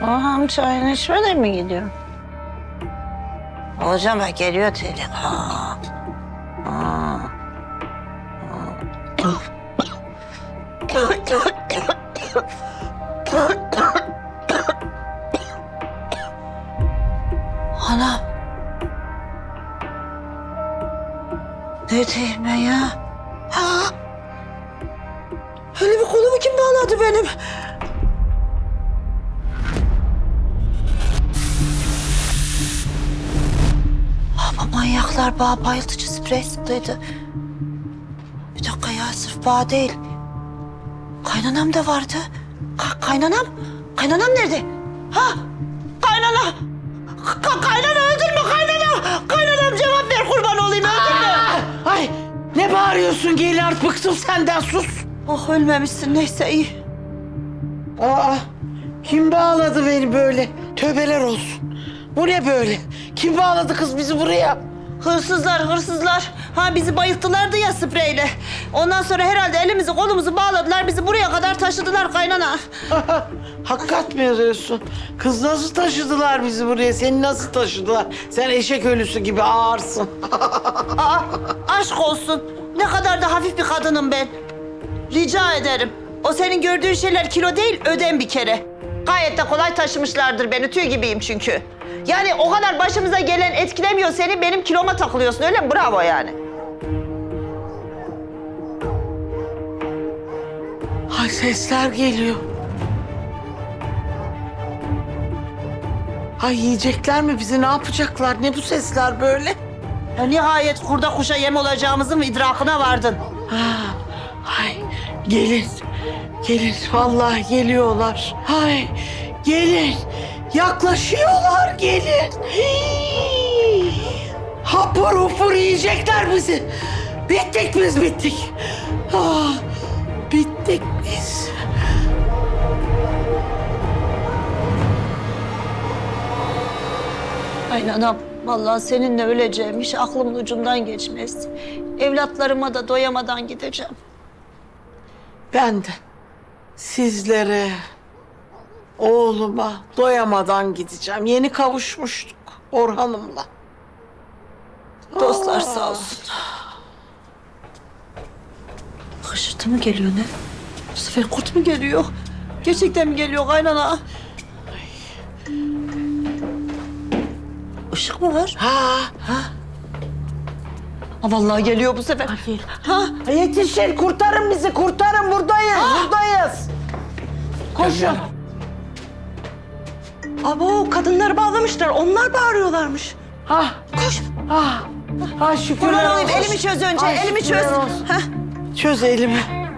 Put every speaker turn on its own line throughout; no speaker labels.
Ağam çayını içmeden mi gidiyor? Hocam bak geliyor Telin. Ha. Ha. Anam. Neredeyim ben ya? Ha? Öyle bir kolumu kim bağladı benim? Bu manyaklar bana bayıltıcı sprey sıktıydı. Bir dakika ya, sırf bana değil. Kaynanam da vardı. Kaynanam? Kaynanam nerede? Ha? Kaynana! Kaynana öldün mü kaynana? Kaynanam cevap ver, kurban olayım, öldün mü?
Ay ne bağırıyorsun Gelin, artık bıktım senden, sus.
Oh, ölmemişsin, neyse iyi.
Aa, kim bağladı beni böyle? Tövbeler olsun. Bu ne böyle? Kim bağladı kız bizi buraya?
Hırsızlar. Ha, bizi bayılttılardı ya spreyle. Ondan sonra herhalde elimizi kolumuzu bağladılar, bizi buraya kadar taşıdılar kaynana.
Hakikat mi yazıyorsun? Kız nasıl taşıdılar bizi buraya? Seni nasıl taşıdılar? Sen eşek ölüsü gibi ağırsın.
Aa, aşk olsun. Ne kadar da hafif bir kadınım ben. Rica ederim. O senin gördüğün şeyler kilo değil, ödem bir kere. Gayet de kolay taşımışlardır beni. Tüy gibiyim çünkü. Yani o kadar başımıza gelen etkilemiyor seni, benim kiloma takılıyorsun, öyle mi? Bravo yani.
Ay sesler geliyor. Ay yiyecekler mi bizi? Ne yapacaklar? Ne bu sesler böyle?
Ya nihayet kurda kuşa yem olacağımızın idrakına vardın.
Ay gelin. Gelin vallahi geliyorlar. Ay gelin. Yaklaşıyorlar, gelin. Hii. Hapur hupur yiyecekler bizi. Bittik biz, bittik. Ah, bittik biz.
Aynen anam. Vallahi seninle öleceğim hiç aklımın ucundan geçmez. Evlatlarıma da doyamadan gideceğim.
Ben de sizlere, oğluma doyamadan gideceğim. Yeni kavuşmuştuk Orhan'ımla.
Dostlar sağ olsun. Hışırtı mı geliyor ne? Bu sefer kurt mu geliyor? Gerçekten mi geliyor kaynana? Işık mı var?
Ha,
Ha, vallahi geliyor bu sefer. Ha?
yetişin, kurtarın bizi, kurtarın, buradayız, buradayız. Koşun.
Abo, kadınları bağlamışlar. Onlar bağırıyorlarmış.
Ha, koş. Ha, ha şükürler
Kurban
olsun.
olayım, elimi çöz önce,
Ay,
elimi
şükürler
çöz.
olsun.
Ha?
Çöz elimi.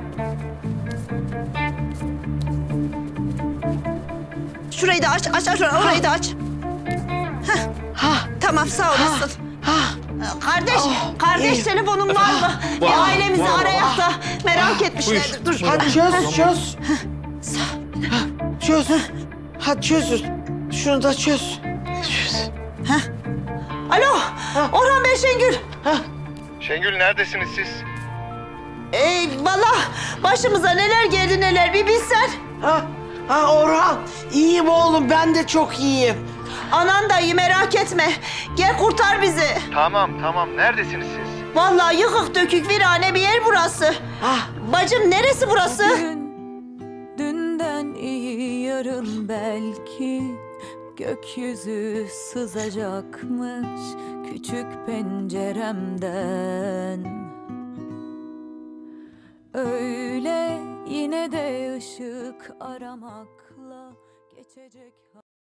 Şurayı da aç, orayı da aç.
Ha,
Tamam, sağ olasın.
ha.
Kardeş
iyi.
telefonun var mı? Bir ailemizi arayak da merak etmişlerdir. Dur.
Hadi çöz. Çöz. Hadi çözün. Şunu da çöz. Çöz.
Alo, Orhan Bey, Şengül.
Şengül neredesiniz siz?
Vallahi başımıza neler geldi neler, bir bilsen.
Ha Orhan. İyiyim oğlum, ben de çok iyiyim.
Anan da iyi, merak etme. Gel kurtar bizi.
Tamam. Neredesiniz siz?
Vallahi yıkık dökük virane bir yer burası. Bacım, neresi burası?
Dünden iyi yarın belki gökyüzü sızacakmış küçük penceremden. Öyle yine de ışık aramakla geçecek.